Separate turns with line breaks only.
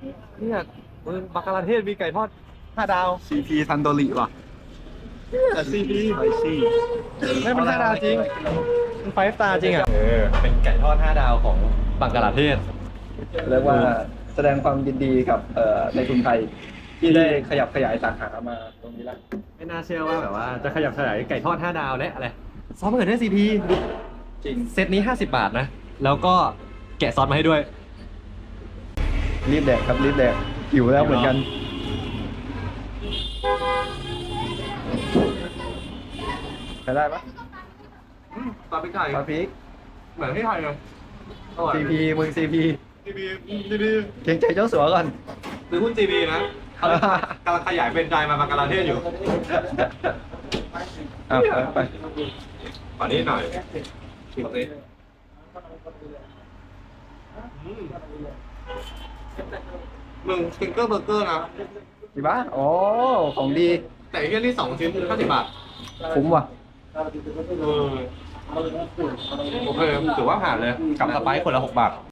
เนี่ยมึงบักกะลาเทศมีไก่ทอด5 ดาว
CP ทันโดริว่ะ
แต่ซีพี
ไอซี่
ไม่เป็น5 ดาวจริงมัน5 สตาร์จริงอ่ะเป็นไก่ทอด5 ดาวของบังกลาเทศ
เรียกว่าแสดงความยินดีกับในทุนไทยที่ได้ขยับขยายสาขามาตรงนี้แล้ว
ไม่น่าเชื่อว่าแบบว่าจะขยับขยายไก่ทอด5 ดาวและอะไรซอสมะเขือเทศซีพี
จริง
เซตนี้50 บาทนะ แล้วก็แกะซอสมาให้ด้วย
รีบแดกครับรีบแดกหิวแล้วเหมือนกันใช้ได้ปะ
ซอสพริกไทย
ซอสพริก
เหมือนที่ไทยเลย
CP มึง CP
ซีพีซีพี
เกรงใจเจ้าสัวก่อน
ซื้อหุ้นซีพีนะเขากำลังขยายเป็นใจมาบังกลาเทศอยู่
เอาไป
ขอนี้หน่อยชิมสิมึงสติงเกอร์เบอร์เกอร์นะ
ดีปะโอ้ของดี
แต่ไอ้เรื่องที่2 ชิ้น50 บาท
คุ้มว่ะ
โอเคถือว่าผ่านเลย กับสไปซ์คนละ6 บาท